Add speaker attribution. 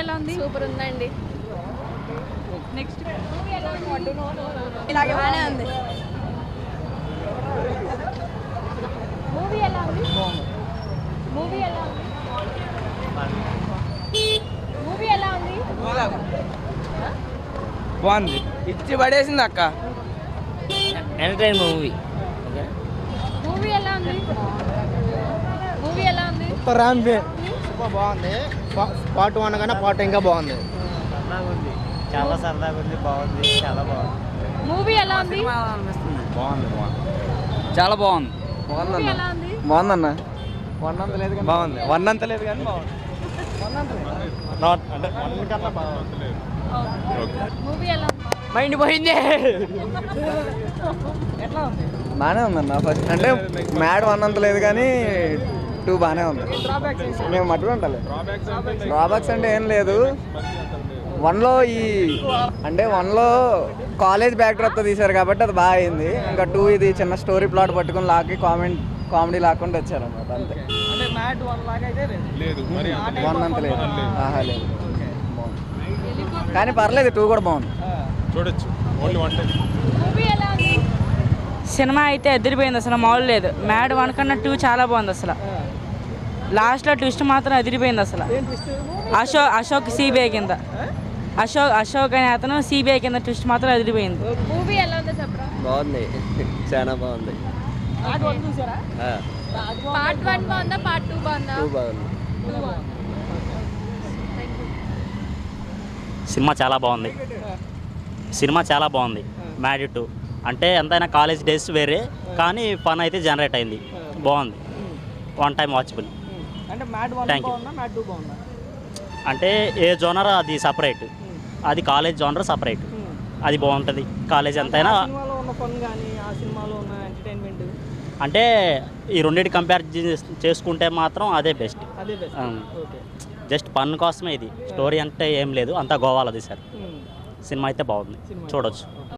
Speaker 1: ఎలా ఉంది?
Speaker 2: సూపర్ ఉందండి.
Speaker 1: నెక్స్ట్
Speaker 2: బాగానే ఉంది.
Speaker 1: మూవీ ఎలా ఉంది? మూవీ ఎలా ఉంది? మూవీ ఎలా ఉంది?
Speaker 3: బాగుంది, ఇచ్చి పడేసింది అక్క.
Speaker 4: Entertain movie.
Speaker 1: మూవీ ఎలా ఉంది? మూవీ ఎలా ఉంది?
Speaker 5: సూపర్ బాగుంది. పార్ట్ 1 కన్నా పార్ట్ ఇంకా బాగుంది.
Speaker 4: చాలా సరదాగా ఉంది, బాగుంది, చాలా బాగుంది.
Speaker 1: మూవీ ఎలా ఉంది?
Speaker 3: బాగుంది, చాలా బాగుంది.
Speaker 1: మూవీ ఎలా ఉంది?
Speaker 3: బాగుందన్న. వన్ అంత లేదు కానీ బాగుంది. వన్ అంత లేదు కానీ బాగుంది.
Speaker 1: మూవీ ఎలా ఉంది?
Speaker 4: మైండ్ పోయింది.
Speaker 3: బాగానే ఉందన్న. ఫస్ట్ అంటే మ్యాడ్ వన్ అంత లేదు కానీ 2 బాగానే ఉంది. మేము మట్టుకు ఉండాలి. డ్రాబ్యాక్స్ అంటే ఏం లేదు. వన్లో వన్లో కాలేజ్ బ్యాక్ డ్రాప్తో తీశారు కాబట్టి అది బాగా అయింది. ఇంకా 2 ఇది చిన్న స్టోరీ ప్లాట్ పట్టుకుని లాగి కామెడీ లాక్కుండా వచ్చారు అన్నమాట. అంతే. వన్ అంత లేదు. ఆహా లేదు. బాగుంది కానీ పర్లేదు, 2 కూడా బాగుంది.
Speaker 6: చూడొచ్చు. Only one time.
Speaker 1: మూవీ ఎలా ఉంది?
Speaker 7: సినిమా అయితే ఎదిరిపోయింది, అసలు మామూలు లేదు. మ్యాడ్ 1 కన్నా 2 చాలా బాగుంది. అసలు లాస్ట్లో ట్విస్ట్ మాత్రం ఎదిరిపోయింది. అసలు అశోక్ సిబిఐ కింద అశోక్ అనే అతను సిబిఐ కింద ట్విస్ట్ మాత్రం ఎదిరిపోయింది.
Speaker 1: మూవీ ఎలా ఉందో చెప్పరా?
Speaker 4: బాగుంది, చాలా బాగుంది.
Speaker 1: పార్ట్ 1 బాగుందా, పార్ట్ 2 బాగుందా?
Speaker 4: బాగుంది.
Speaker 8: సినిమా చాలా బాగుంది. సినిమా చాలా బాగుంది. మ్యాడ్ 2 అంటే ఎంతైనా కాలేజ్ డేస్ వేరే, కానీ ఫన్ అయితే జనరేట్ అయింది. బాగుంది, one time watchable. Thank you. అంటే ఏ జోనర్ అది సపరేట్, అది కాలేజ్ జోనర్ సపరేట్. అది బాగుంటుంది. కాలేజ్ ఎంతైనా అంటే ఈ రెండింటి కంపేర్ చేసుకుంటే మాత్రం అదే బెస్ట్. జస్ట్ ఫన్ కోసమే ఇది. స్టోరీ అంటే ఏం లేదు, అంతా గోవాలో తీశారు. సినిమా అయితే బాగుంది, చూడొచ్చు.